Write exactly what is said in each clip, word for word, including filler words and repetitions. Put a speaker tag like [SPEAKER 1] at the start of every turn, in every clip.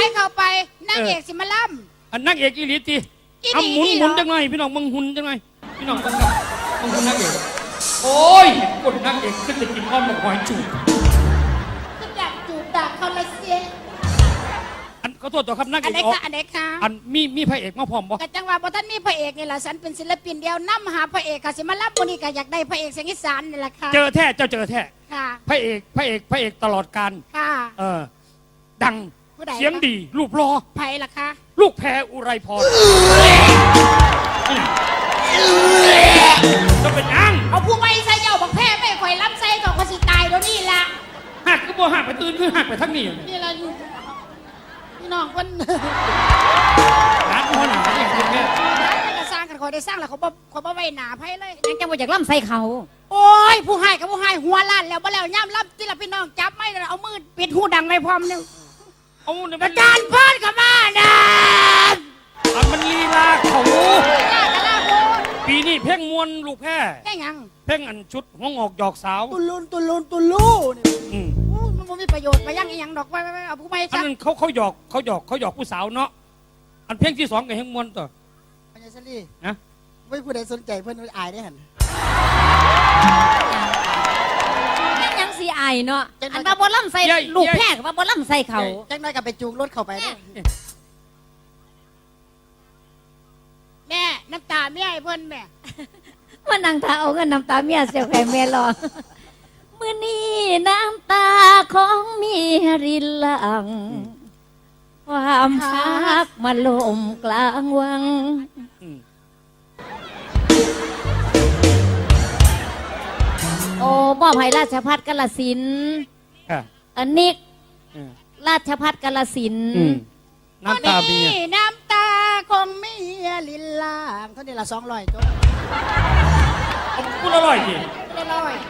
[SPEAKER 1] เข้าไปนางเอกสิมาล่ำ
[SPEAKER 2] อันนางเอกอีหลีตีเอาหมุนหมุนจังไงพี่น้องมึงหุ่นจังไงพี่น้องมึงครับมึงหุ่นนางเอกโอ้ยกดนางเอกขึ้นไปกินอ้อมหมกหอยจูบ
[SPEAKER 1] ก็อยากจูบดักเขาละเสีย
[SPEAKER 2] อันขอโทษต่อครับนางเอกอันไหน
[SPEAKER 1] คะอันไหนคะ
[SPEAKER 2] อันมีมีพระเอกมาพร้อมบ่
[SPEAKER 1] กะจังว่าบ่ท่านมีพระเอกนี่แหละฉันเป็นศิลปินเดียวนํหาพระเอกค่ะสิมาล่ำวันนี้ก็อยากได้พระเอกเสียงอีสานนี่แหละค่ะ
[SPEAKER 2] เจอแท้เจ้าเจอแท้
[SPEAKER 1] ค่ะ
[SPEAKER 2] พระเอกพระเอกพระเอกตลอดกาล
[SPEAKER 1] ค่ะ
[SPEAKER 2] เออดังเสียงดีรูปรอ
[SPEAKER 1] ไผ่ล่ะคะ
[SPEAKER 2] ลูกแพรอุไรพรจะเป็นอัง
[SPEAKER 1] เอาผู้ไม่ใส่เจ้าบอกแพ้ไม่ข่อยล้ำใส่ต่อคนสิตายเดี๋ยวนี้ละ
[SPEAKER 2] หักก็บ่หักไปตื่นคือหักไปทั้งนี้
[SPEAKER 1] นี่ละอยู่พี่น้องคน
[SPEAKER 2] ร้านพ่อหนาอย่างนี้เนี่ย
[SPEAKER 1] ร้านจะสร้างกันข่อยได้สร้างแล้วเขาบ่เขาบ่ไว้หนาไพ่เลย
[SPEAKER 3] ยังจะบ่อยากล้ำใส่เขา
[SPEAKER 1] โอ้ยผู้ให้กับผู้ให้หัวล้านแล้วบ่แล้วย่ำล้ำที่ละพี่น้องจับไม่เลยเอามือปิดหูดังในพร้อมนึงอาจารย์พ่นกับมาดาม
[SPEAKER 2] อันมันลีลาเขาปีนี้เพ่งมวนลูกแพร่
[SPEAKER 1] เพ่งยัง
[SPEAKER 2] เพ่งอันชุดห้องออกหยอกสาว
[SPEAKER 1] ตุลุนตุลุนตุลูนี่มันไม่มีประโยชน์ไปยังยังดอกไปไปเอาผู้ไม่
[SPEAKER 2] อันนั้นเขาเขาหยอกเขาหยอกเขาหยอกผู้สาวเนาะอันเพ่งที่สองกับเฮงมวนต่อ
[SPEAKER 1] ปัญญาสลี
[SPEAKER 2] นะ
[SPEAKER 1] ไม่ผู้ใดสนใจเพื่อนอายได้หัน
[SPEAKER 3] ยังสีอายเนาะอันว่าบอลล่ำใส่ลูกแพร่ว่าบอลล่ำใส่เขา
[SPEAKER 1] จังน้อยกับไปจูงรถเข้าไปแม่น้ำตาเมียไอ้เพิ่นแม่
[SPEAKER 3] มันนั่งตาเอาเงินน้ำตาเมียเสียแค่แม่รอมื้อนี้น้ำตาของเมียรินหลังความพักมาลมกลางวังโอ้มอบให้ราชภัฏกาฬสินธุ์อันนี้ราชภัฏกาฬสินธุ์
[SPEAKER 2] น้ำตาเมีย
[SPEAKER 1] น้ำตาของเมียลินลางเท่านี้ละสองร้อยจบ
[SPEAKER 2] พูดอร่อยดิ
[SPEAKER 1] อร่อย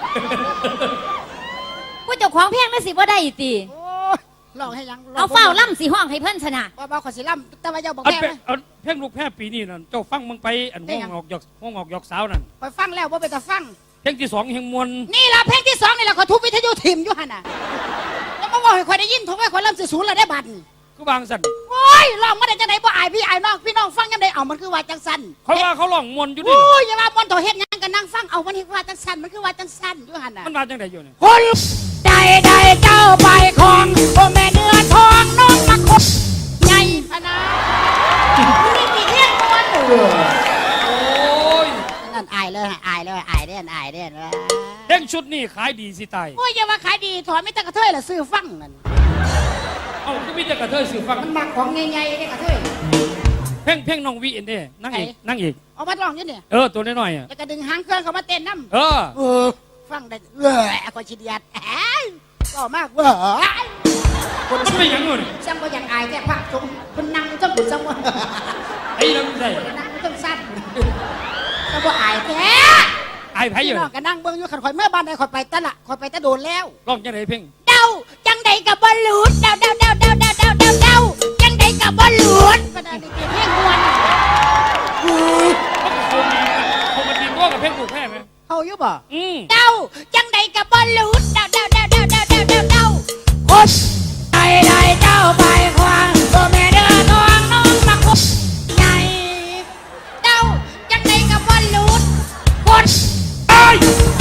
[SPEAKER 3] ผู้เจ้าของเพลงนั่นสิว่าได้ตี
[SPEAKER 1] ลองให้ยัง
[SPEAKER 3] เอาเฝ้าล่ำสีห้องให้เพื่อนชนะ
[SPEAKER 1] บ้าบ้าขอสิล่ำแต่ว่าเจ้าบอกแ
[SPEAKER 2] พ้เพลงลูกแพร่ปีนี้นั่นเจ้าฟังมึงไปอันห้องออกหยอกห้องออกหยอกสาวนั่น
[SPEAKER 1] ไปฟังแล้วว่าไปแต่ฟัง
[SPEAKER 2] เพลงที่สองเฮงมวล
[SPEAKER 1] นี่ละเพลงที่สองนี่แหละขอทุบวิทยุทิมอยู่หันน่ะแล้วมาบอกให้คอยได้ยินทุบให้คอยล่ำสื่อศูนย์เราได้บัตร
[SPEAKER 2] ก็บางสัน
[SPEAKER 1] โอ้ยลองมาได้จังไหนบ่อายพี่อายน้องพี่น้องฟังยังไงเอามันคือว่าจังสัน
[SPEAKER 2] เขาว่าเขาลองมวลอยู่ดิ
[SPEAKER 1] โอ้ยอย่าว่ามวลโถเฮ็ดยังกันนั่งฟังเอามันคือว่าจังสันมันคือว่าจังสันอยู่หันน่ะ
[SPEAKER 2] มันมาจังไหนอยู่เนี่ย
[SPEAKER 1] คนใดใดเจ้าไปของโอ้แม่เนื้อทองน้องมาคบใหญ่พนานี่มีเที่ยงมวล
[SPEAKER 2] โอ้ย
[SPEAKER 1] นั่นอายเลยอายเลยอายเด่นอายเด่น
[SPEAKER 2] เพลงชุดนี้ขายดีสิตาย
[SPEAKER 1] โอ้ยอย่าว่าขายดีถอนไม่ตะกระเทยละซื้อฟังนั่น
[SPEAKER 2] เอาก็มีแต่กระเทยสื่อฟัง
[SPEAKER 1] มันมักของใหญ่ๆเนี่ยกระเทย
[SPEAKER 2] เพ่งเพ่งน้องวีเอ็นเด้นั่งอีกนั่งอีก
[SPEAKER 1] เอามาลองอยู่เนี่ย
[SPEAKER 2] เออตัวน้อยๆอ่ะ
[SPEAKER 1] แล้วก็ดึงหางเครื่องเขามาเต้นน้ำ
[SPEAKER 2] เออ
[SPEAKER 1] เออฟังได้เออคนชิดยัดก็มากเว้ย
[SPEAKER 2] คนไม่ยังเลย
[SPEAKER 1] ช่างก็ยังอายแค่พักชมคนนั่งต้องบุญช่างว่า
[SPEAKER 2] ไอ้เราไม่ได้
[SPEAKER 1] นั่งต้องสั้นช่างก็อายแท้
[SPEAKER 2] อายไผ่อยู่
[SPEAKER 1] ก็นั่งเบิ้งอยู่ขันข่อยเมื่อบ้านใดข่อยไปตะละข่อยไปตะโดนแล้ว
[SPEAKER 2] ร้องจังไหนเพ่ง
[SPEAKER 1] เดาจังใดกับบอลลูนเดาเดาเดาเดาเดาเดาเดาเดาจังใดกับบอลลูนก็ได้เปลี่ยนเพลงมวน
[SPEAKER 2] เขาเขาดีเขามาดีกว่ากับเพลงลูกแพร่ไหม
[SPEAKER 1] เขาอยู่บ่
[SPEAKER 2] อืม
[SPEAKER 1] เดาจังใดกับบอลลูนเดาเดาเดาเดาเดาเดาเดาเดาคนใดใดเจ้าไปควางตัวแม่เดือดทองน้องมาคุบใหญ่เดาจังใดกับบอลลูนคน
[SPEAKER 2] ไอ้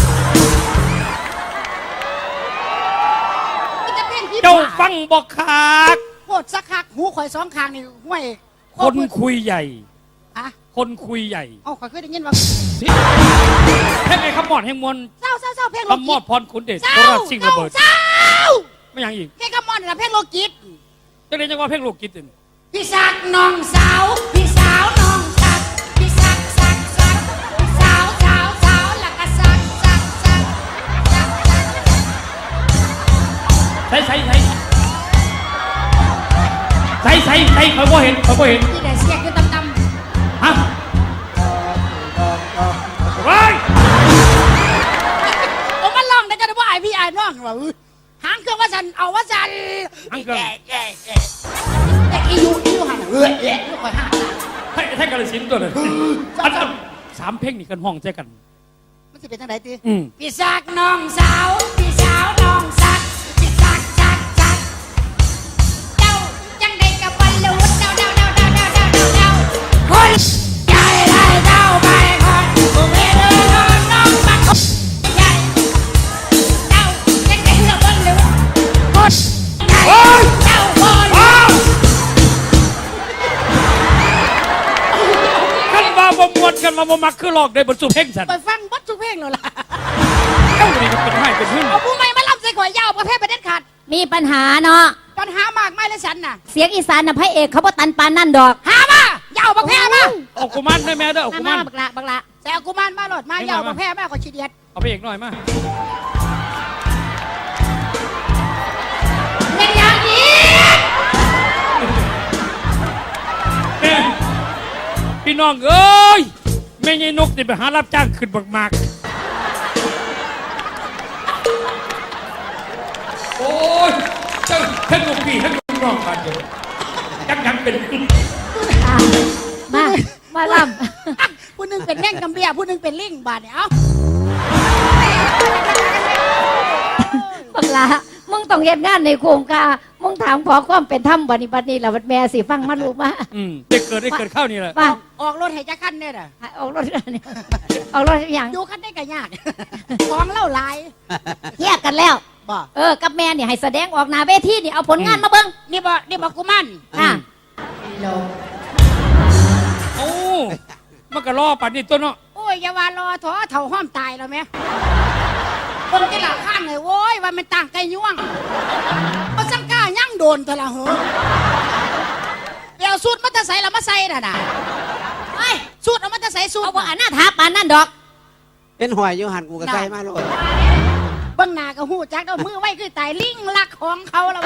[SPEAKER 2] เจ้าฟังบอกขาด
[SPEAKER 1] โคตรสักคักหูข่อยสองข้างนี่ห้วย
[SPEAKER 2] คนคุยใหญ่
[SPEAKER 1] อะ
[SPEAKER 2] คนคุยใหญ่
[SPEAKER 1] เอ้าข่อยเคยได้ยินว่า
[SPEAKER 2] เพลงไอ้ขมอดแห่งมวล
[SPEAKER 1] เศร้าเศร้าเศร้าเพลง
[SPEAKER 2] โลกิตขมอดพรขุนเดชโคราชชิงระเบิด
[SPEAKER 1] เศร้า
[SPEAKER 2] ไม่ยังอีก
[SPEAKER 1] เพลงขมอดนี่แหละเพลงโลกิต
[SPEAKER 2] จะเรียกว่าเพลงโลกิตอื่น
[SPEAKER 1] พี่สักน้องสาวพี่สาวน้องสักพี่สักสักสักพี่สาวสาวสาวแล้วก็สักสักสักสักสัก
[SPEAKER 2] ใส่ใส่ใส่ใส่ใส่ใส่เขาบ่เห็นเขาบ่เห็น
[SPEAKER 1] ที่ไหนเสียงคือตำตำ
[SPEAKER 2] ฮะว้าย
[SPEAKER 1] โอ้มันร้องได้จะได้ว่าไอพี่ไอ้น้องว่าหางเครื่องว่าสันเอาว่าสัน
[SPEAKER 2] หางเครื่อง
[SPEAKER 1] แต่อียูอียูหันเออเอ๊ะลูกคอยห้า
[SPEAKER 2] ให้ให้กระสินตัวเลยอันสามเพลงนี่กันห้องใจกัน
[SPEAKER 1] มันจะเป็นทางไหนตี
[SPEAKER 2] อืม
[SPEAKER 1] พี่สักน้องสาวพี่สาวน้องสักพี่สักสักสักเจ้าจังใดกับ
[SPEAKER 2] มาบ่มักคือหลอกได้บทสุเพลงสัน
[SPEAKER 1] ไปฟังบัดทุกเพลงเลยล่ะ
[SPEAKER 2] เอ้านี่ก็เป็นให้เป็นหึ่ง
[SPEAKER 1] เอาผู้ไม่มาล่ำใส่ข่อยยาวประเภทประเด็นขาด
[SPEAKER 3] มีปัญหาเนาะ
[SPEAKER 1] ปัญหามากไม่เลยฉันน่ะ
[SPEAKER 3] เสียงอีสานน่ะพระเอกเขาบ่ตันปานนั่นดอก
[SPEAKER 1] หามายาวประเภทมา
[SPEAKER 2] เอากุมารได้แม่เด้อเอากุมาร
[SPEAKER 3] บักละบักละ
[SPEAKER 1] ใส่เอากุมารมาโหลดมายาวประเภทมาขอชีเดียด
[SPEAKER 2] เอาไปเอกหน่อยมา
[SPEAKER 1] เป็นอย่างนี้
[SPEAKER 2] แม่พี่น้องเอ้ยแม่ยายนกนี่ไปหารับจ้างขึ้นบักมากโอ้ยเจ้าทั้งลูกพี่ทั้งลูกน้องกันอยู่ยังยังเป็น
[SPEAKER 3] อ่ะมามาล่
[SPEAKER 1] ผู้หนึงเป็นแม่งกำเบียผู้หนึงเป็นลิงบาดเนี่ยเอ้า
[SPEAKER 3] ำบักละมึงต้องเฮ็ดงานในโครงการมึงถามขอความเป็นธรรมบัดนี้บัดนี้ล่ะบัดแม่สิฟังมาลูกมา
[SPEAKER 2] อืมได้เกิดได้เกิดเข้านี่แหละ
[SPEAKER 3] ว่า
[SPEAKER 1] ออกรถให้จักคันเนี่ยน่ะ
[SPEAKER 3] ออกรถนี่ออกรถอย่าง
[SPEAKER 1] อยู่คันได้ก็ยาก ของเล่าหลาย
[SPEAKER 3] แยกกันแล้ว
[SPEAKER 1] บ่
[SPEAKER 3] เออกับแม่นี่ให้แสดงออกหน้าเวทีนี่เอาผลงานมาเบิ่ง
[SPEAKER 1] นี่บ่นี่บ่กุมาร
[SPEAKER 3] อ่ะ
[SPEAKER 2] โอ้มันก็รอปัดนี่ตัวเนาะ
[SPEAKER 1] โอ้ยอย่าว่ารอถอเถ่าห้อมตายแล้วแม่คนที่หลังข้างเลยโว้ยว่ามันต่างไก่ย่วงมันสังกล้ายั่งโดนแต่ละเหอะเดี๋ยวสูตรมันจะใส่แล้วมาใส่น่ะนะไอ้สูตรเอามันจะใส่สูตร
[SPEAKER 3] เอาว่าอันหน้าท้าปานนั่นดอก
[SPEAKER 4] เป็นหอยอยู่หันกูก็ใส่มาโลด
[SPEAKER 1] เบื้องหน้าก็หูจักเอามือไว้คือตายลิงลักของเขาแล้ว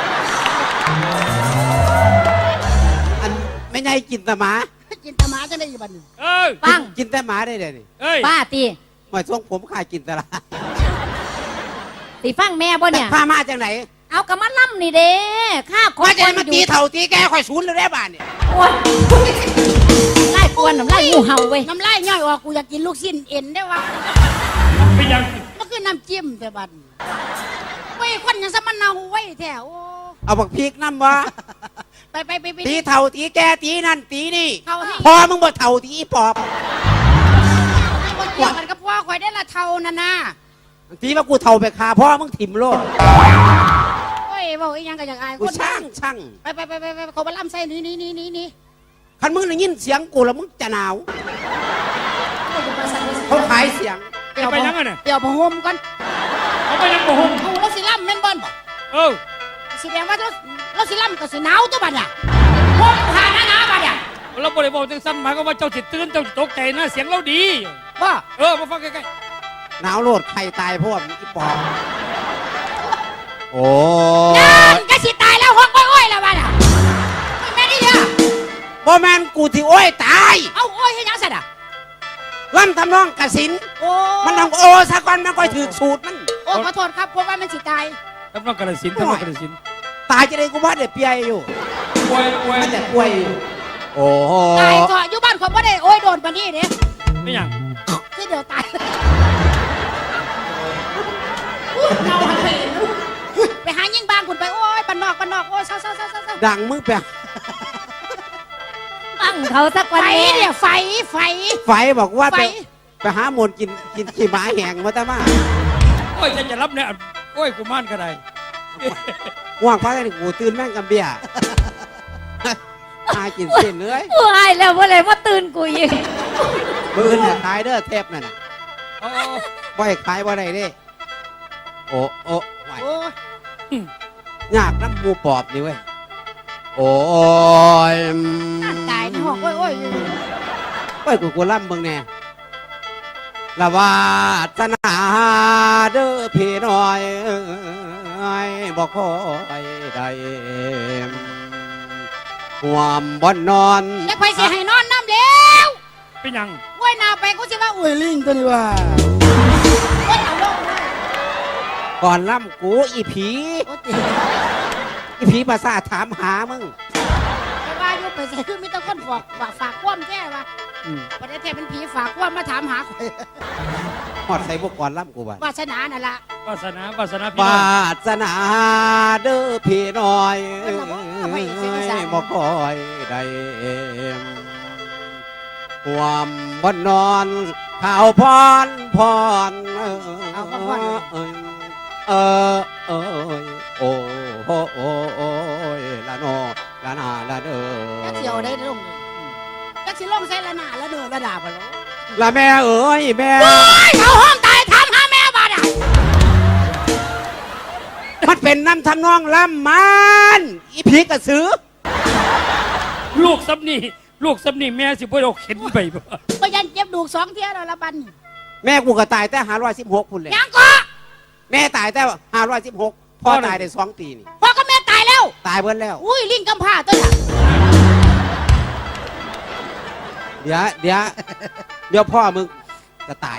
[SPEAKER 4] อันไม่ใช่กินแต่หมา
[SPEAKER 1] จินตมาจะได้อยู่บัดนี้
[SPEAKER 2] เอ้ย
[SPEAKER 3] ฟัง
[SPEAKER 4] กินแต่หมาได้เลยนี่
[SPEAKER 2] เอ้ย
[SPEAKER 3] ป้าตี
[SPEAKER 4] หอยทรงผมขายกินแต่ละ
[SPEAKER 3] สิฟังแม่บ่เนี่ย
[SPEAKER 4] พามาจากไหน
[SPEAKER 3] เอากระมัดล่ำนี่เด้ข้าขอ
[SPEAKER 4] ว่าจะ
[SPEAKER 3] คน
[SPEAKER 4] มา
[SPEAKER 3] อยู่
[SPEAKER 4] ตีเถ่าตีแกคอยศูนย์เลยได้บ้านเนี่ย
[SPEAKER 3] โอ๊ยไล่กวนน้ำไล่งูเห่าเว้ย
[SPEAKER 1] น้ำลายย่อยออกกูอยากกินลูกชิ้นเอ็นได้วะ
[SPEAKER 2] เป็นยัง
[SPEAKER 1] มันคือน้ำจิ้มแต่บัดนี้เว้ยคนยังสมันเนาไว้แถว
[SPEAKER 4] เอาบักพริกน้ำวะ
[SPEAKER 1] ไปไปไปไป
[SPEAKER 4] ตีเถ่าตีแกตีนั่นตีนี่
[SPEAKER 1] เขาให้
[SPEAKER 4] พอมึงบ่เถ่าตีอีปอบ
[SPEAKER 1] คนเกี่ยวกันกับพ่อคอยได้ละเท่านั่นนะ
[SPEAKER 4] ตีว่ากูเถ่าไปคาพ่อมึงถิ่มโลด
[SPEAKER 1] โอ้ยบอกอีกอยังก็อยากอาย
[SPEAKER 4] กู
[SPEAKER 1] คน
[SPEAKER 4] ช่างช่าง
[SPEAKER 1] ไปไปไปไปไปเขามาล่ำใส่นี่นี่นี่นี่นี่
[SPEAKER 4] คันมึงได้ยินเสียงกูแล้วมึงจะหนาวเขาขายเสียง
[SPEAKER 2] จะไปยังไงเนี่ย
[SPEAKER 1] เดี๋ยวผมห่มก่อน
[SPEAKER 2] เขาไปยังบ่หง
[SPEAKER 1] เอาเราสิล่ำแม่นบอล
[SPEAKER 2] เออ
[SPEAKER 1] แสดงว่าเราเราสิล่ำก็สิหนาวตัวบัดเนี่ยห่มผ่านหน้าหนาวบัดเนี่ย
[SPEAKER 2] เราบริบอกจังสั้นหมายก็ว่าเจ้าสิตื่นเจ้าสิตกใจนะเสียงเราดี
[SPEAKER 1] ว่า
[SPEAKER 2] เออมาฟังใกล้
[SPEAKER 4] หนาวโลดใครตายเพราะว่ามึงอีปอบโอ้
[SPEAKER 1] นั่นก็สิตายแล้วห้องอ้อยๆแล้วบัดเนี่ยไม่แม่นี่เด้อ
[SPEAKER 4] บ่แมนกูที่โอ้ยตาย
[SPEAKER 1] เอาอ้อยให้ยังสัตว์อ่ะ
[SPEAKER 4] ล่ำทำนองกสิน
[SPEAKER 1] โอ้
[SPEAKER 4] มันต้องโอซะก่อนมันก็ถือสูตรมัน
[SPEAKER 1] โอ้ขอโทษครับเพราะว่ามันสิตาย
[SPEAKER 2] ๆทำนองกระสินธุ์ทำนองกระสินธุ์
[SPEAKER 4] ตายจะได้กูว่าเด็ดเปียอยู่
[SPEAKER 2] ป่วยป่วย
[SPEAKER 4] มันจะป่วยอยู่โอ้โห
[SPEAKER 1] ตายก็อยู่บ้านคนบ่ได้โอ้ยโดนปานนี้เด้
[SPEAKER 2] ไม่ยัง
[SPEAKER 1] คือเดี๋ยวตายเราหันไปเห็นไปหายิ่งบางคุณไปโอ้ยปันนอกปันนอกโอ้ยเศร้าเศร้าเศร้าเศร้าเศร้า
[SPEAKER 4] ดังมึงไป
[SPEAKER 3] ฟังเขาสัก
[SPEAKER 1] ไฟ
[SPEAKER 3] วันแม่
[SPEAKER 1] เนี่ยไฟไฟ
[SPEAKER 4] ไฟบอกว่า
[SPEAKER 1] ไฟ
[SPEAKER 4] ไปไปหาหมนกินกินขี้หมาแหงมาแต่มา
[SPEAKER 2] โอ้ยจะจะรับเนี่ยโอ้ยกูม่านก็ได้
[SPEAKER 4] ว่างพักนี่กูตื่นแม่งกับเบียร์อากินเส้นเลย
[SPEAKER 3] กูอายแล้วว่าอะไรว่าตื่นกูอีก
[SPEAKER 4] มือเนี่ยขายเด้อเทปนั่นน่ะ
[SPEAKER 2] เอา
[SPEAKER 4] บ่ให้ขายบ่ได้เด้โอ้โอ้ไหว
[SPEAKER 1] โอ้ย
[SPEAKER 4] ยากน้ำหมูปอบนี่เว้ยโอ้ย
[SPEAKER 1] ตายในห้องโอ้ยโอ้ย
[SPEAKER 4] ไปกูกูล่ำเบิ่งแน่ละวาสนาเด้อพี่น้อยเอ้ยบอกคอยได้ห่วมบ่นอน
[SPEAKER 1] แล้วไฟเสียให้นอนน้ำแล้ว
[SPEAKER 2] เป็นยัง
[SPEAKER 1] โอ้ยนาไปกูสิว่าอุ้ยลิงตัวนี้ว่าโอ้ยเอาลงเลย
[SPEAKER 4] ก่อนล่ำกูอีผี
[SPEAKER 1] โอ้ยตี
[SPEAKER 4] อีผีภาษาทถามหามึง
[SPEAKER 1] ไปว่าอยู่ไปใส่คือมีแต่คนฝากฝากฝากความแท้ว่า
[SPEAKER 4] อืม
[SPEAKER 1] ประเทศไทยเป็นผีฝากความมาถามหาข่อย
[SPEAKER 4] หอดใส่พวกก่อนล่ำกูบ้าน
[SPEAKER 1] วาสนานั่นล่ะ
[SPEAKER 2] วาสนาวาสนาพี่
[SPEAKER 4] ว
[SPEAKER 2] น้อง
[SPEAKER 4] าสนาเด้อพี่น้อย
[SPEAKER 1] เอ้ยบอกว่าไม่เสียอีสาน
[SPEAKER 4] บอกคอยได้ห่วมบ่นอนข่าวพรพรเออเออเออโอ้โหโอ้โอ้ยละโนละนาละเด้อ
[SPEAKER 1] จักเสียวได้ลงเลยจักสิลงใส่ละหน้าละเด้อละดาบไปแล้ว
[SPEAKER 4] ละแม่เอ๋ยแม่
[SPEAKER 1] โอ้ยเขาห้องตายถามหาแม่บ้านอ่ะ
[SPEAKER 4] มันเป็นน้ำทำนองล่ำมันอีพีกระสือ
[SPEAKER 2] ลูกซับนี่ลูกซับนี่แม่สิบ่ได้เอาเข็นไปบ่
[SPEAKER 1] ก็ยันเจ็บดูกสองเที่ยแล้วละบัน
[SPEAKER 4] แม่กูก็ตายแต่ห้าร้อยสิบหกพุ่นเลย
[SPEAKER 1] ยังก็
[SPEAKER 4] แม่ตายแต่ห้าร้อยสิบหกพ่อตายได้สองปีนี่
[SPEAKER 1] พ่อกับแม่ตายแล้ว
[SPEAKER 4] ตายเบิ้แล้ว
[SPEAKER 1] อุ้ยลิงกำพร้าตัวน่ะ
[SPEAKER 4] เดี๋ยวเดี๋ยวเดี๋ยวพ่อมึงจะตาย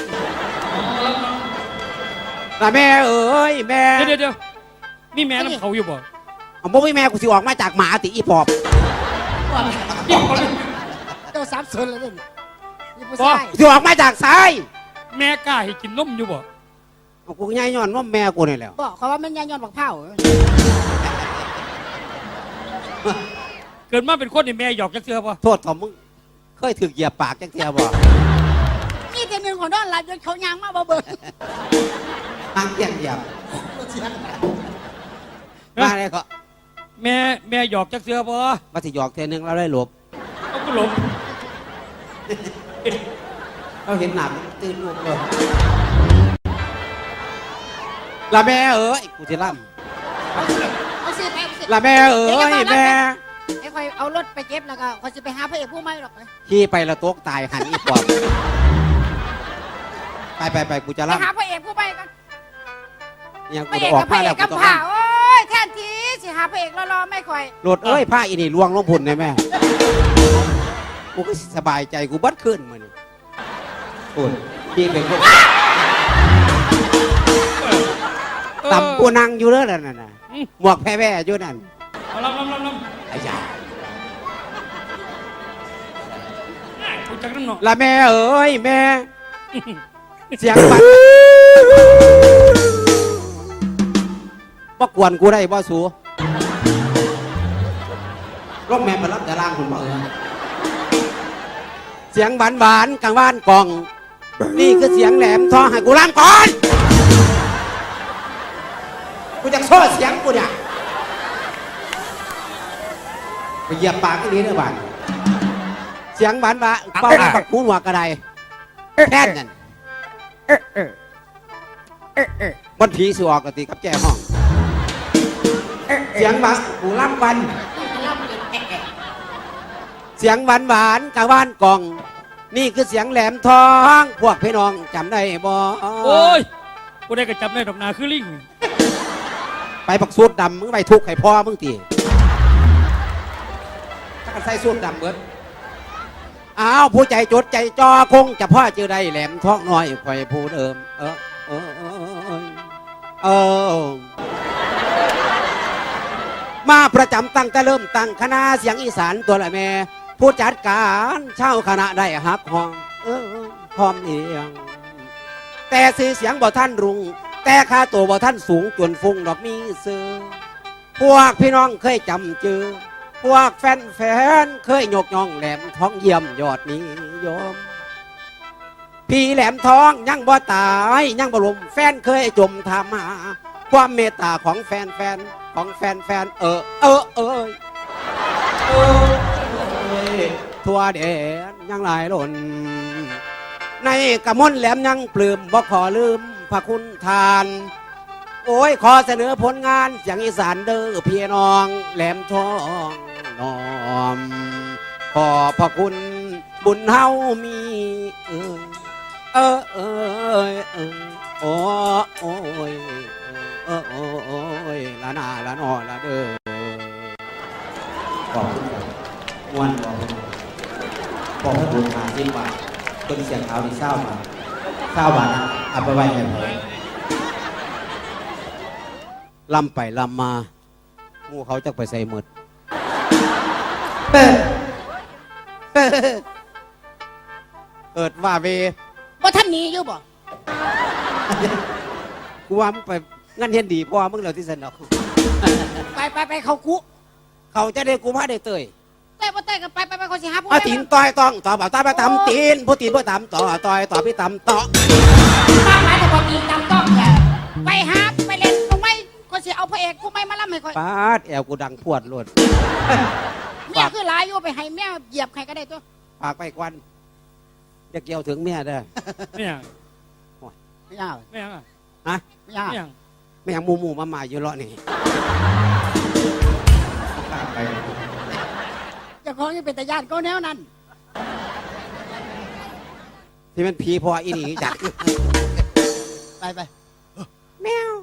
[SPEAKER 4] ละแม่เอ๋ยแม่
[SPEAKER 2] เดี๋ยวเดี๋ยวมีแม่น้ำเขาอยู่บ่
[SPEAKER 4] เอาบ่มีแม่กูสิออกมาจากหมาติอีปอบ
[SPEAKER 1] ตัวสามส่วนเลยนี่นี่ผู้
[SPEAKER 2] บ่
[SPEAKER 1] ชาย
[SPEAKER 4] กูสิออกมาจากซ้าย
[SPEAKER 2] แม่กล้าให้กินนมอยู่บ่
[SPEAKER 4] เอากูง่ายย้อนว่าแม่กูนี่แหละ
[SPEAKER 1] บอกเขาว่ามันยายย้อนบักเผา
[SPEAKER 2] เกิดมาเป็นคนนี่แม่หยอกจักเทื่อบ่
[SPEAKER 4] โทษของมึงเคยถึกเหยียบปากจังเทียบ่
[SPEAKER 1] นี่แต่หนึ่งของนอนหลับจนเขายางมาบ่เบิ่ง
[SPEAKER 4] หางเทียงเหยียบมาเลยก็
[SPEAKER 2] แม่แม่หยอกจักเทื่อบ่
[SPEAKER 4] มาสิหยอกเทียนึงแล้วได้หลบ
[SPEAKER 2] เอาก็หลบ
[SPEAKER 4] เราเห็นหนักตื่นลูกเลยละแม่เอ๋ยกูจะล่
[SPEAKER 1] เอาสิไปเอาสิ
[SPEAKER 4] ำละแม่เอ๋ยแม่
[SPEAKER 1] ไอ้คอยเอารถไปเก็บแล้วก็คอยจะไปหาพระเอกผู้ไม่หรอกไป
[SPEAKER 4] ขี่ไปละโต๊กตายหันอีปอบไปไปไปกูจะ
[SPEAKER 1] ไป
[SPEAKER 4] ล่
[SPEAKER 1] หาพระเอกผู้ไม่กัน
[SPEAKER 4] ำยัง
[SPEAKER 1] พ
[SPEAKER 4] กู
[SPEAKER 1] ระเอ
[SPEAKER 4] จะ
[SPEAKER 1] ก
[SPEAKER 4] ออก
[SPEAKER 1] กับพ
[SPEAKER 4] มา
[SPEAKER 1] ระเอ
[SPEAKER 4] แล้ว
[SPEAKER 1] ก
[SPEAKER 4] กู
[SPEAKER 1] กับ
[SPEAKER 4] ต้อง
[SPEAKER 1] ผ่าโอ้ยแทนทีสิหาพระเอกรอๆไม่ค่อย
[SPEAKER 4] โหลดเอ้ยผ้าอีนี่ลวงลงพุ่นเลยแม่กูก็สบายใจกูบัดขึ้นมานี่โอ้ยพี่เป็นคนต่ำกูนั่งอยู่เลยนั่นน่ะหมวกแพ้แว่อยู่นั่น
[SPEAKER 2] เอาลำลำลำลำ
[SPEAKER 4] ไอ้ยา
[SPEAKER 2] กูจักนั่นเนาะ
[SPEAKER 4] ละแม่เอ๋ยแม่ เสียงบัดบ่กวนกูได้บ่สูรถแม่มารับแต่ล่างคุณบ่เออเสียงหวานหวานๆกลางบ้านกล่อง นี่คือเสียงแหลมท้อให้กูล่างก่อนกูจะโซ่เสียงกูเนี่ยไปเหยียบปากที่นี้เด้อบ้านเสียงหวานหวานเป้าปักหูหัวกระไดแค่นั้นมันผีสิออกกติกับแจ้ห้อง เสียงหวานกูล่ำวัน เสียงหวานหวานๆกลางบ้านกล่อง นี่คือเสียงแหลมทอง พวกพี่น้องจำได้บ่
[SPEAKER 2] โอ้ยกูได้กระจับได้ดอกนาคือลิง
[SPEAKER 4] ไปปักสูตรดำมึงไปทุกข์ให้พ่อมึงตีถ้ากันใส่สูตรดำเบิดอ้าวผู้ใจจดใจจอคงจะพ่อเจอได้แหลมทองน้อยคอยผู้เดิม เออเออเออเออมาประจำตั้งแต่เริ่มตั้งคณะเสียงอีสานตัวละแม่ ผู้จัดการเช่าคณะได้ฮักห้องเออพร้อมเอียง แต่สื่อเสียงบ่ท่านรุง แต่ค่าตัวบ่ท่านสูงจนฟุ้งดอกมีเสือพวกพี่น้องเคยจำเจอ พวกแฟนแฟนเคยยกย่องแหลมท้องเยี่ยมยอดนิยม พี่แหลมทองยังบ่ตายยังบ่ลมแฟนเคยจมทำหาความเมตตาของแฟนแฟนของแฟนแฟนเออเออเออเออทั่วแดนยังหลายหล่นในกระมนแหลมยังปลื้มบ่ขอลืมพระคุณทาน โอ้ยขอเสนอผลงานเสียงอีสานเด้อพี่น้องแหลมทองน้อมขอพระคุณบุญเฮามีเออเออเออเออโอ้โอ้ยเออโอ้โอ้ยละนาละนอละเด้อขอบคุณครับม่วนบอกขอบคุณหาสิบบาทต้นเสียงเขาที่เศร้าบาทเศร้าบาทนะเอาไปไว้ให้ผมลำไปลำมาหมูเขาจะไปใส่หมดเกิดว่าเว
[SPEAKER 1] ว่าท่านหนี้อยู่บ่
[SPEAKER 4] กูว่ามึงไปงั้นเห็นดีเพราะว่ามึงเราที่สนอก
[SPEAKER 1] ไปไปไปเขาคุ
[SPEAKER 4] เขาจะได้กูมาได้เตย
[SPEAKER 1] แต่บ่แต่กันไปไปไปเขาสิหาผู้
[SPEAKER 4] เอาตีนต่อยต้องต่อแบบตาไปตำตีนผู้ตีนผู้ตำต่อต่อยต่อพี่ตำต่อ
[SPEAKER 1] ป้าหมายแต่บ่ตีนจำต้องแหละไปหาไปเล่นตรงไม่เขาสิเอาพระเอกผู้ไม่มาล่ำให้คอย
[SPEAKER 4] ปาดแอวกูดังพวดโลด
[SPEAKER 1] เมียคือหลายอยู่ไปให้เมียเหยียบใครก็ได้ตัว
[SPEAKER 4] ปากไปกวันจะเกี่ยวถึงเมียเด้อ
[SPEAKER 2] ไม่ยัง
[SPEAKER 1] ไม่ยาก
[SPEAKER 2] ไม่ยังอ่ะ
[SPEAKER 4] ฮะ
[SPEAKER 1] ไม่ยาก
[SPEAKER 2] ไม่ยัง
[SPEAKER 4] ไม่อย่างหมูหมูมาหมาอยู่เลาะนี่
[SPEAKER 1] เจ้าของยังเป็นตาญาติก็แนวนั้น
[SPEAKER 4] ที่มันผีพออีนี่จัด
[SPEAKER 1] ไปไป
[SPEAKER 4] แมว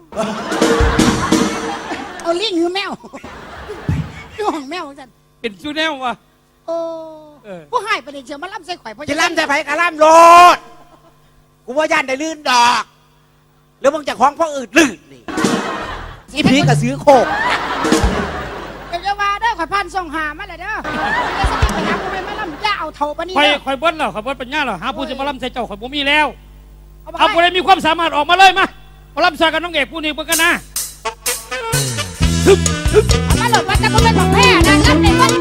[SPEAKER 1] เอาลิงหรือแมวคือของแมวจัน
[SPEAKER 2] เป็นชูแนววะ
[SPEAKER 1] โอ้
[SPEAKER 2] เออ
[SPEAKER 1] ผู้ให้ประเดี๋ยวเชียวมาล่ำใส่ข่อยเพราะ
[SPEAKER 4] จะล่ำจะไผกะล่ำโลดกูว่าย่านได้ลื่นดอกแล้วมึงจะคล้องพ่ออื่นลื่นนี่อีผีกระซื้อโคก
[SPEAKER 1] เดี๋ยวจะมาเด้อข่อยพันส่งหามาเลยเด้อเดี๋ยวสติไปหาผู้ไม่มาล่ำย่าเอาเท่าปะนี่
[SPEAKER 2] คอย
[SPEAKER 1] เด้อ
[SPEAKER 2] คอยเบิ้ลแล้วคอยเบิ้ลปัญญาแล้วหาผู้จะมาล่ำใส่เจ้าคอยบ่มีแล้ว
[SPEAKER 1] เอาไป
[SPEAKER 2] เอาผู้ใดมีความสามารถออกมาเลยมามาล่ำใส่กันน้องเอกผู้นี้เบิ่งกันนะ
[SPEAKER 1] เอามาหลดว่าจะบ่เป็นของแพ้นะล่ำในวัน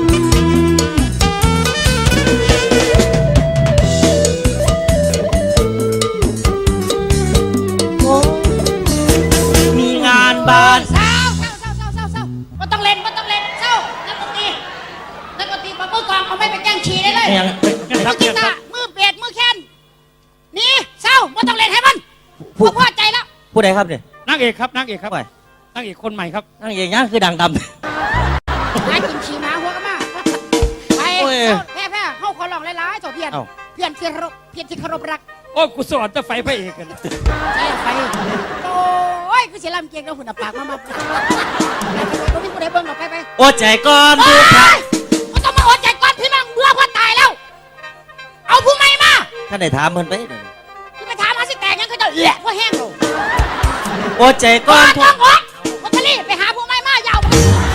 [SPEAKER 5] มีงานบ้าน
[SPEAKER 1] เศร้าเศร้าเศร้าเศร้าเศร้าเศร้าบ่ต้องเล่นบ่ต้องเล่นเศร้านักดนตรีนักดนตรีปะมือกองเอาไม่ไปแกล้งฉี่ได้เลย
[SPEAKER 5] ยัง
[SPEAKER 2] เนี่ยค
[SPEAKER 1] มื
[SPEAKER 2] รั
[SPEAKER 1] อบ กี
[SPEAKER 2] เนี่ยค
[SPEAKER 1] ตา
[SPEAKER 2] รับ
[SPEAKER 1] ร์มือเปียดมือแค้นนี่เศร้าบ่ต้องเล่นให้มันบ่พอใจแล้ว
[SPEAKER 5] ผู้ใดครับเนี่ย
[SPEAKER 2] นางเอกครับนางเอกครับ
[SPEAKER 5] ไป
[SPEAKER 2] นางเอกคนใหม่ครับ
[SPEAKER 5] นั่งอย่างนี้คือดังดำ
[SPEAKER 1] หากินฉี่หมาหัวก็มาไป
[SPEAKER 5] โอ้ย
[SPEAKER 1] เศร้าแพ้แพ้เข้าขอลองหลายๆเจ้าเพียน
[SPEAKER 5] เอ้า
[SPEAKER 1] เพียนที่เคารพเพียนที่เคารพรัก
[SPEAKER 2] โอ้กูสอนจะไฟพระเอกกัน
[SPEAKER 1] ใช่ไฟโอ้ยกูเสียลำเกียงแล้วหุ่นปากมามาไปไปไปไปไปไปเบิ่งดอกไปไป
[SPEAKER 5] โอ้ใจก่อน
[SPEAKER 1] เฮ้
[SPEAKER 5] ดูครับ
[SPEAKER 1] ยกูต้องมาอดใจก่อนพี่น้องเบื่อเพื่อตายแล้ว เอาผู้ใหม่มา
[SPEAKER 5] ท่านได้ถามเพิ่นไปเดี๋ยวนี้
[SPEAKER 1] ที่ไปถามหาสิแตกยังก็จะแหละว่าแห้งลง
[SPEAKER 5] โอ้ใจก่
[SPEAKER 1] ก่
[SPEAKER 5] อ
[SPEAKER 1] อน นต้องอดวัตลีไปหาผู้ใหม่มายาว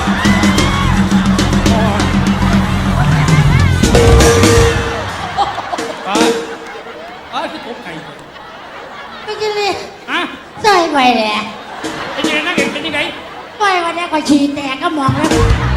[SPEAKER 2] อ๋ออ๋อคือผมไก่
[SPEAKER 1] ไปกินเลย
[SPEAKER 2] อะ
[SPEAKER 1] ใส่ไปเลย
[SPEAKER 2] เป็นยังไงนางเอกเป็นยังไง
[SPEAKER 1] ไปวันนี้ก็ฉี่แตกก็มองแล้ว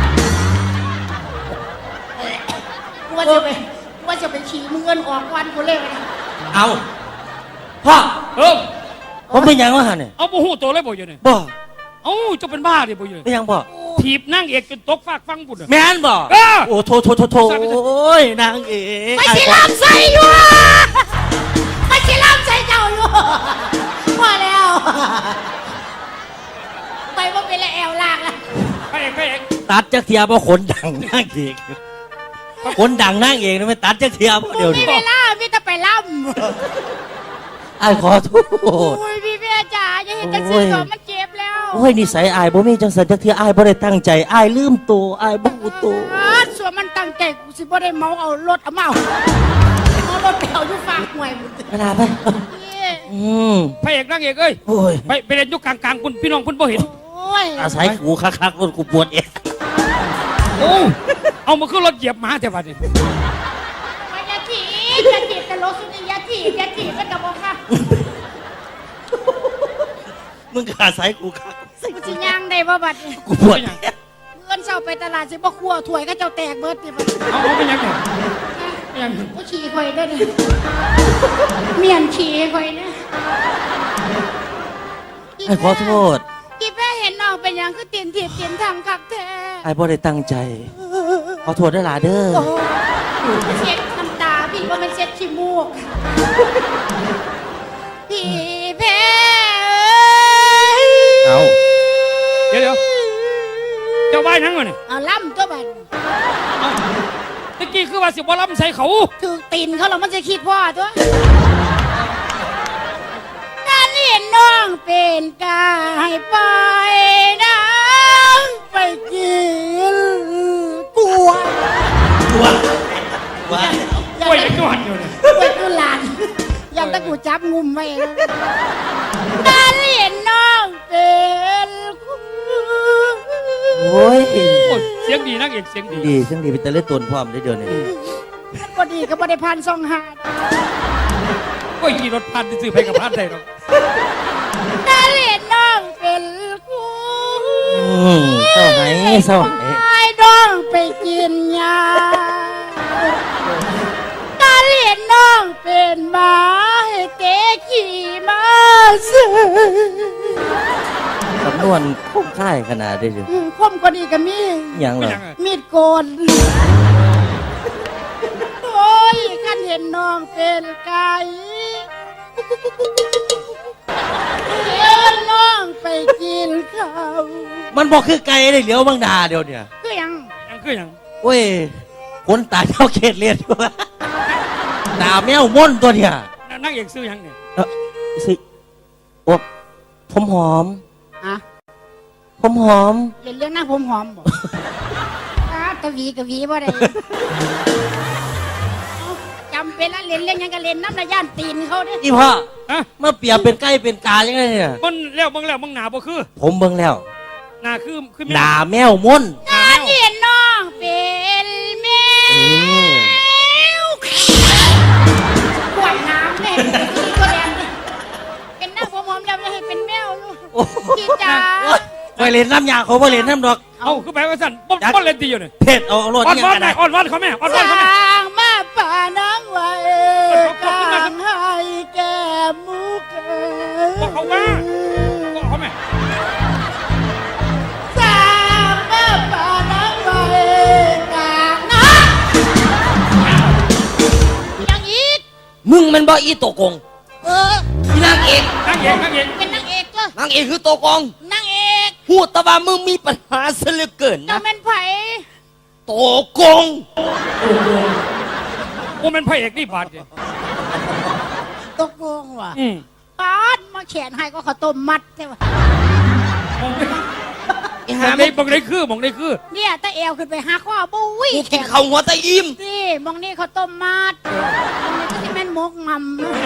[SPEAKER 1] ว่าจะไปว่าจะไปฉี่มึงเงินออกวันกูเลย
[SPEAKER 5] เอาพ่อ
[SPEAKER 2] เออ
[SPEAKER 5] ผมเป็นหยังวะฮะเนี่ย
[SPEAKER 2] เอาบูฮูตัวเลยบ่อยู่เนี่ย
[SPEAKER 5] บ่
[SPEAKER 2] เอ้าจะเป็นบ้าดิบ่อยู่
[SPEAKER 5] เป็นหยังบ่
[SPEAKER 2] ถีบนางเอกจนตกฟากฟังบุญอะ
[SPEAKER 5] แม่นบ่
[SPEAKER 2] เออ
[SPEAKER 5] โอ้โถโถโถโถโอ้ยนางเอก
[SPEAKER 1] ไปสิลำใส่อยู่ไปสิลำใส่เจ้าอยู่พอแล้วไปว่าเป็นแล้วแอวลากแล้ว
[SPEAKER 2] พระเอกพระเอก
[SPEAKER 5] ตัดจักเทียบ่ขนดังนางเอกขนดังนางเอกนี่ไม่ตัดจักเทียบ่เดี๋ยว
[SPEAKER 1] มี
[SPEAKER 5] นี้
[SPEAKER 1] เวลามีแต่ไปล่
[SPEAKER 5] อ้ายขอโท
[SPEAKER 1] ำ
[SPEAKER 5] ษ
[SPEAKER 1] โอ้ยพี่เมียจ๋าอย่าเห็นจังสีก่อนมันเจ็บแล้ว
[SPEAKER 5] โอ้ยนิสัยอายบ่มีจังสันจักเทียอายบ่ได้ตั้งใจอายลืมตัวอายบ่รู้ตัว
[SPEAKER 1] อ่าส่วนมันตั้งใจกูสิบ่ได้เมาเอารถเอาเมาเอารถไปเอาอยู่ฝากหวยมึง
[SPEAKER 5] เวลาไป
[SPEAKER 1] นี่
[SPEAKER 5] อืม
[SPEAKER 2] พระเอกนางเอกเอ้ย
[SPEAKER 5] โอ้ย
[SPEAKER 2] ไปไปเล่นอยุกกลางๆคุณพี่น้องคุณบ่เห็น
[SPEAKER 1] โอ้ย
[SPEAKER 5] อาศัยกูคักๆรถกูปวดเอง
[SPEAKER 2] โอ้เอามาขึ้นรถเหยียบหมาแต่บัดนี้
[SPEAKER 1] ไปอย่าจีบอย่าจีบแต่รถสุนีอย่าจีบอย่าจีบกันกับบอกค่ะ
[SPEAKER 5] มึงก็อาศัยกูคัก
[SPEAKER 1] กูสิย่างได้บ่บัดนี้
[SPEAKER 5] กูปวดเอง
[SPEAKER 1] เงินเช้าไปตลาดสิบ่ครัวถ้วยก็เจ้าแตกเบิดนี่บัดนี้
[SPEAKER 2] เอาเอาเป็นยังไงเป็นยังไง
[SPEAKER 1] กูขี่ข่อยได้เนี่ยเมียนขี่ข่อยเนี่ย
[SPEAKER 5] ไอ้ขอโทษ
[SPEAKER 1] กีแพ้เห็นน้องเป็นหยังคือเตียนถีบเตียนทางคักแท้
[SPEAKER 5] ไอ้บ่ได้ตั้งใจ ขอโทษได้หลาเด้อ
[SPEAKER 1] โอ้เช็ดน้ำตาพี่ว่ามันเช็ดขี้มูกพี่แพ้
[SPEAKER 5] เอา
[SPEAKER 2] เดี๋ยวเดี๋ยวเจ้าบ้านทั้งหมดนี่
[SPEAKER 1] เอาล่ำตัวบัด
[SPEAKER 2] ตะกี้คือว่าสิบ่ล้ำใส่เขา
[SPEAKER 1] ถือตีนเขาหรอมันจะคิดพ่อตัวการเห็นน้องเป็นกายไปน้ำไปกินกล้วย
[SPEAKER 5] ตัวว่า
[SPEAKER 2] กล้วยยังนอนอยู่เนี่ย
[SPEAKER 1] กล้วยคือหลานยังตะกูจับงุมไว้นะการเห็นน้องเป็นคู่
[SPEAKER 5] โอ้ย
[SPEAKER 2] โอ้ยเสียงดีนางเอกเสียงดี
[SPEAKER 5] ดีจังดีเป็นแต่เล่นตนพร้อมได้เดี๋ยวนี้
[SPEAKER 1] พอดีก็บ่ได้พันสองหาด
[SPEAKER 2] กล้วยขี่รถพันซื้อไปกับพันได้หรอก
[SPEAKER 1] การเห็นน้องเป็นคู่
[SPEAKER 5] อืมเศร้าไหนเศร้าไหน
[SPEAKER 1] ไอ้น้องไปกินยาการเห็นน้องเป็นหมาให้เตะขี่มาซื้อ
[SPEAKER 5] สำนวนคงค่ายขนาดได้เลย
[SPEAKER 1] คมกว่านี้ก็มี
[SPEAKER 5] ยังเหร
[SPEAKER 2] เป็น
[SPEAKER 5] อ
[SPEAKER 2] ยังไง
[SPEAKER 1] มีดโกน โอ้ยกันเห็นน้องเป็นไก่เห็นน้องไปกินข้าว
[SPEAKER 5] มันบอกคือไก่ได้เหลียวบางดาเดียวเนี่ย
[SPEAKER 1] คือหยัง
[SPEAKER 2] ยังคือยัง
[SPEAKER 5] โอ้ยคนตาเจ้าเขตเลียนอยู่ตาแมวม่อนตัวเนี่ย
[SPEAKER 2] นั่งเอกซื้อยังเนี่ย
[SPEAKER 5] เออสิโอ้ผมหอม
[SPEAKER 1] อะ
[SPEAKER 5] ผมหอม
[SPEAKER 1] เล่นเรื่องหน้าผมหอมบ่ อ้ากะหวีกะหวีบ่ได้จำเป็นละเล่นเล่นหยังก็เล่นน้ำระย่านตีนเขาเด้
[SPEAKER 5] อีพ่อ
[SPEAKER 2] ฮะ
[SPEAKER 5] เมื่อเปรียบเป็นไก่เป็นกายังไงเนี่ย
[SPEAKER 2] มันแล้วมึงแล้วมึงหนาบ่คือ
[SPEAKER 5] ผมเบิ่งแล้ว
[SPEAKER 2] หนาคือคือ
[SPEAKER 5] หนาแมวม่อน
[SPEAKER 1] งานเห็นน้องเป็นแม
[SPEAKER 5] เออ
[SPEAKER 1] วขวดน้ำเนี่ยก็แดงเป็นหน้าผมหอมแล้วจะให้เป็นแมวลูก
[SPEAKER 5] โอ้
[SPEAKER 1] พี่จ๋า
[SPEAKER 5] ไปเล่นน้ำยาเขาไปเล่นน้ำดอก
[SPEAKER 2] เอาคือแปลว่าสั่นบ่บ่เล่นตีอยู่เนี่ย
[SPEAKER 5] เผ็ดเอาเอาโรด
[SPEAKER 2] อ่อน
[SPEAKER 5] ยัง
[SPEAKER 2] วอน
[SPEAKER 5] กัน
[SPEAKER 2] ไหน
[SPEAKER 5] นะ
[SPEAKER 2] อ่อนวอนเขาแม่อ่อนวอนเขาแม่
[SPEAKER 1] สร้างมาป่าน้องไว้กลางให้แก้มุกเอ๋
[SPEAKER 2] บอกเขาว่าบอกเขาแม่
[SPEAKER 1] สร้างมาป่าน้องไว้กลางนะยังอีก
[SPEAKER 6] มึงมันบ่อีโตกง
[SPEAKER 1] เออ
[SPEAKER 6] อีนางเอก
[SPEAKER 2] นั่งเอกนั่งเอก
[SPEAKER 1] เป็นนางเอกเลย
[SPEAKER 6] นางเอกคือโตกง
[SPEAKER 1] นางเอก
[SPEAKER 6] พูดแต่ว่ามึงมีปัญหาซะเหลือเกิน
[SPEAKER 1] เจ้า
[SPEAKER 6] นะ
[SPEAKER 1] เป็นไผ่
[SPEAKER 6] โตกง
[SPEAKER 2] กูเป็นพระเอกนี่บาดเนี่ย
[SPEAKER 1] ตกลงว่ะ
[SPEAKER 2] อืม
[SPEAKER 1] ปาดมาแขนให้ก็ข้าวต้มมัดใช่ปะ
[SPEAKER 2] มองได้
[SPEAKER 6] ไอ้
[SPEAKER 2] ม
[SPEAKER 6] หา
[SPEAKER 2] อง
[SPEAKER 6] มึ
[SPEAKER 2] ได้
[SPEAKER 6] ง
[SPEAKER 2] มองได้คือมองได้คือ
[SPEAKER 1] เนี่ยตาเอวขึ้นไปหาข้อบุ้ย
[SPEAKER 6] กู
[SPEAKER 1] แข
[SPEAKER 6] กิน
[SPEAKER 1] น
[SPEAKER 6] ข้าวหัวตะอิ่ม
[SPEAKER 1] นี่มองนี่ข้าวต้มมัดมองนี่ก็ที่แม่นมกมัม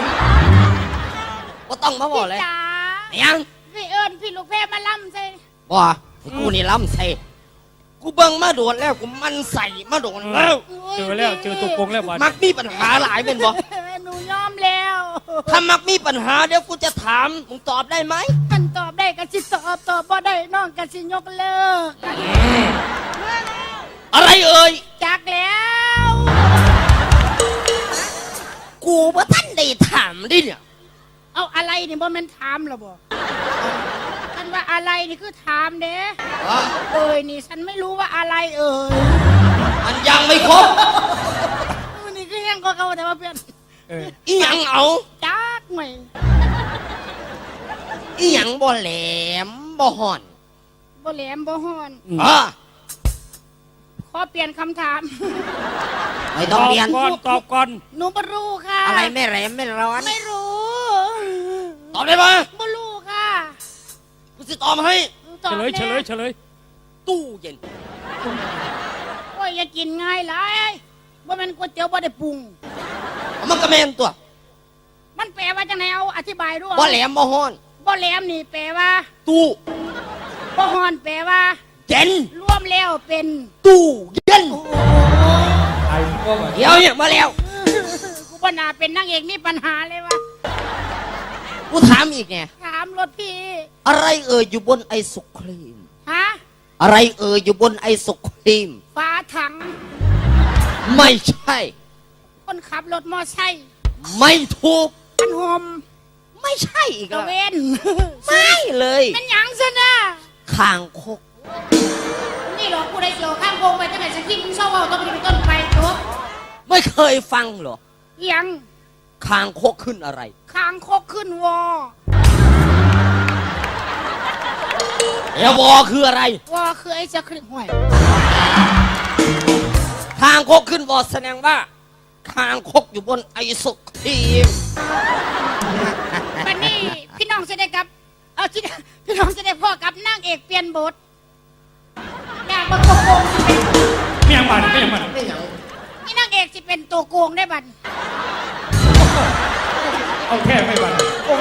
[SPEAKER 6] ก็ต้องมาบ
[SPEAKER 1] พี่
[SPEAKER 6] อกเลย
[SPEAKER 1] จ๋า
[SPEAKER 6] ไอ้ยัง
[SPEAKER 1] พี่เอิญพี่ลูกแพรมาล่ำใส่
[SPEAKER 6] บ่ให้กูนี่ล้ำใส่กูเบิ่งมาโดนแล้วกูมันใส่มาโดนแล้ว
[SPEAKER 2] เจอแล้วเจอตัวโกงแล้วบาด
[SPEAKER 6] มักมีปัญหาหลายเป็นบ่
[SPEAKER 1] หนูยอมแล้ว
[SPEAKER 6] ถ้ามักมีปัญหาเดี๋ยวกูจะถามมึงตอบได้ไหม
[SPEAKER 1] มันตอบได้ก็สิตอบตอบบ่ได้น้องก็สิยกเลิก
[SPEAKER 6] อะไรเอ่ย
[SPEAKER 1] จักแล้ว
[SPEAKER 6] กูว่าท่านได้ถามดิเนี่ย
[SPEAKER 1] เอาอะไรนี่บ่แม่นถามหรอบ่ท่านว่าอะไรนี่คือถามเด้เอ้ยนี่ฉันไม่รู้ว่าอะไรเอ่ย
[SPEAKER 6] มันยังไม่ครบ
[SPEAKER 1] นี่คือยังก็เขาแต่ว่าเพื่อน
[SPEAKER 2] เออ
[SPEAKER 6] อีหยังเอา
[SPEAKER 1] จักหน่อย
[SPEAKER 6] อีหยังบ่แหลมบ่ห่อน
[SPEAKER 1] บ่แหลมบ่ฮ้อน
[SPEAKER 6] อ่ะ
[SPEAKER 1] ขอเปลี่ยนคำถาม
[SPEAKER 6] ไม่
[SPEAKER 2] ต
[SPEAKER 6] ต้อง
[SPEAKER 2] อบ
[SPEAKER 6] เรียน
[SPEAKER 2] ก่อนตอบก่อน
[SPEAKER 1] หนูบ่รู้ค่ะ
[SPEAKER 6] อะไรไม่แหลมไม่ร้อน
[SPEAKER 1] ไม่รู้
[SPEAKER 6] ตอบได้ปะ
[SPEAKER 1] บ่รู้ค่ะ
[SPEAKER 6] กูจะตอบให้
[SPEAKER 1] ตอบ
[SPEAKER 2] เฉลยเฉลย
[SPEAKER 1] แน่
[SPEAKER 2] เฉลย
[SPEAKER 6] ตู้เย็น
[SPEAKER 1] โอ้ยอย่ากินง่ายหลายบ่แม่นก๋วยเตี๋ยวบ่ได้ปรุง
[SPEAKER 6] มันก็แม่นตัว
[SPEAKER 1] มันแปลว่าจังไดเอาอธิบายด้วย
[SPEAKER 6] บ่แหลมบ่ฮ้อน
[SPEAKER 1] บ่แหลมนี่แปลว่า
[SPEAKER 6] ตู้
[SPEAKER 1] บ่ฮ้อนแปลว่า
[SPEAKER 6] เย็น
[SPEAKER 1] รวมแล้วเป็น
[SPEAKER 6] ตู้เย็น
[SPEAKER 2] ไอ้พวก
[SPEAKER 6] เดี๋ยวเนี่ยมาแล้ว
[SPEAKER 1] กูบ่น่าเป็นนางเอกมีปัญหาเลยวะ
[SPEAKER 6] กูถามอีกไง
[SPEAKER 1] ถามรถพี่
[SPEAKER 6] อะไรเอ่ยอยู่บนไอศครีม
[SPEAKER 1] ฮะ
[SPEAKER 6] อะไรเอ่ยอยู่บนไอศครีม
[SPEAKER 1] ฝาถัง
[SPEAKER 6] ไม่ใช่
[SPEAKER 1] คนขับรถมอไซค์
[SPEAKER 6] ไม่ถูก
[SPEAKER 1] อันโฮม
[SPEAKER 6] ไม่ใช่อีก
[SPEAKER 1] ตะ
[SPEAKER 6] แล้ว
[SPEAKER 1] เวน
[SPEAKER 6] ไม่เลย
[SPEAKER 1] มันหยังซะนะ
[SPEAKER 6] คางคก
[SPEAKER 1] นี่เหรอกูได้เกี่ยวข้างโกงไปตั้งแต่สกิปมึงเศร้าเอาต้องไปต้นไปจบ
[SPEAKER 6] ไม่เคยฟังเหรอ
[SPEAKER 1] หยัง
[SPEAKER 6] คางคกขึ้นอะไร
[SPEAKER 1] คางคกขึ้นวอ
[SPEAKER 6] เอวอคืออะไร
[SPEAKER 1] วอคือไอ้สคริปต์ห่วย
[SPEAKER 6] คางคกขึ้นวอแสดงว่าคางคกอยู่บนไอศครีม
[SPEAKER 1] บัดนี้พี่น้องจะได้กับ เอาที่พี่น้องจะได้พ่อกับนางเอกเปลี่ยนบทนางบักโกงสิเป็น
[SPEAKER 2] ไม่ยังบาดไม่ยังบาด
[SPEAKER 1] นี่นางเอกสิเป็นตัวโกงได้บัด
[SPEAKER 2] เอาแค่ไม่บาด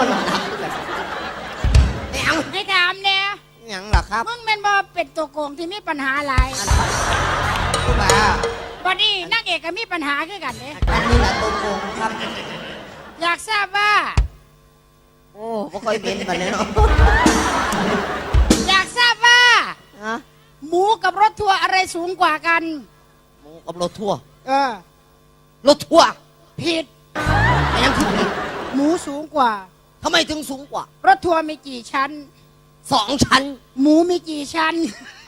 [SPEAKER 1] ให้ถามเนี่ย
[SPEAKER 6] หยังล่ะครับ
[SPEAKER 1] มึงเป็นบ่เป็นตัวโกงที่มีปัญหาอะไร
[SPEAKER 6] คุณป้า
[SPEAKER 1] บัดนี้นางเอกก็มีปัญหาคือกันเด้
[SPEAKER 6] อันนี้แหละตัวโกงครับ
[SPEAKER 1] อยากทราบว่า
[SPEAKER 6] โอ้ไม่ค่อยเป็นแบบนี้เนาะ
[SPEAKER 1] อยากทราบว่า
[SPEAKER 6] ฮะ
[SPEAKER 1] หมูกับรถทัวร์อะไรสูงกว่ากัน
[SPEAKER 6] หมูกับรถทัวร์
[SPEAKER 1] เออ
[SPEAKER 6] รถทัวร์
[SPEAKER 1] ผิด
[SPEAKER 6] แต่ยังคือผิด
[SPEAKER 1] หมูสูงกว่า
[SPEAKER 6] ทำไมถึงสูงกว่า
[SPEAKER 1] รถทัวร์มีกี่ชั้น
[SPEAKER 6] สองชั้น
[SPEAKER 1] หมูมีกี่ชั้น